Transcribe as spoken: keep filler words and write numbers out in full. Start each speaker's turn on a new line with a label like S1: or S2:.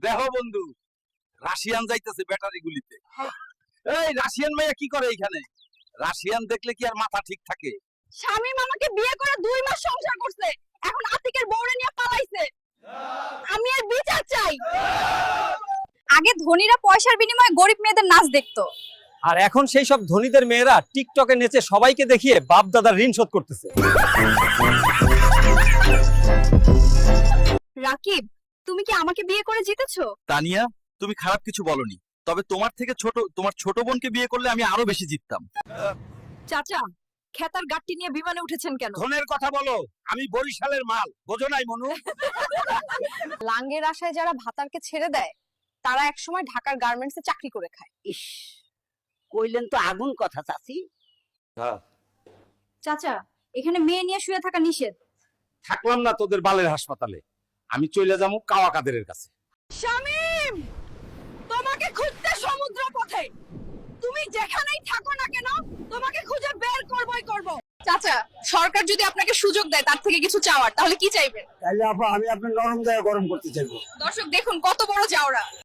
S1: দেখো বন্ধু, রাশিয়ান যাইতেছে ব্যাটারি গুলিতে। এই রাশিয়ান মাইয়া কি করে এখানে? রাশিয়ান দেখলে কি আর মাথা ঠিক থাকে?
S2: শামীম আমাকে বিয়ে করে দুই মাস সংসার করছে, এখন আতিকের বউরে নিয়ে পালাইছে। আমি এর বিচার চাই। আগে ধনীরা পয়সার বিনিময়ে গরিব মেয়েদের নাচ দেখতো,
S3: আর এখন সেই সব ধনীদের মেয়েরা টিকটকে নেচে সবাইকে দেখিয়ে বাপ দাদার ঋণ শোধ করতেছে।
S2: রাকিব, তুমি কি আমাকে বিয়ে করে জিতেছো?
S1: তানিয়া, তুমি খারাপ কিছু বলনি, তবে তোমার থেকে ছোট তোমার ছোট বোনকে বিয়ে করলে আমি আরো বেশি জিততাম।
S2: চাচা, খেতার গাট্টি নিয়ে বিমানে উঠেছেন কেন?
S1: ধনের কথা বলো, আমি বরিশালের মাল, বোঝো নাই মনু?
S2: লাঙ্গের আশায় যারা ভাতারকে ছেড়ে দেয়, তারা একসময় ঢাকার গার্মেন্টসে চাকরি করে খায়।
S4: ইস, কইলেন তো আগুন কথা চাচি।
S2: চাচা, এখানে মেয়ে নিয়ে শুয়ে থাকা নিষেধ।
S1: থাকলাম না তোদের বালের হাসপাতালে, আমি চলে যাবো কাওয়া কাদেরের কাছে।
S2: শামীম, তোমাকে খুঁজতে সমুদ্র পথে, তুমি যেখানেই থাকো না কেন তোমাকে খুঁজে বের করবই করব। চাচা, সরকার যদি আপনাকে সুযোগ দেয় তার থেকে কিছু চাওয়ার, তাহলে কি চাইবেন?
S5: তাইলে আপা আমি আপনার নরম জায়গা গরম করতে চাইবো।
S2: দর্শক দেখুন কত বড় জাউরা।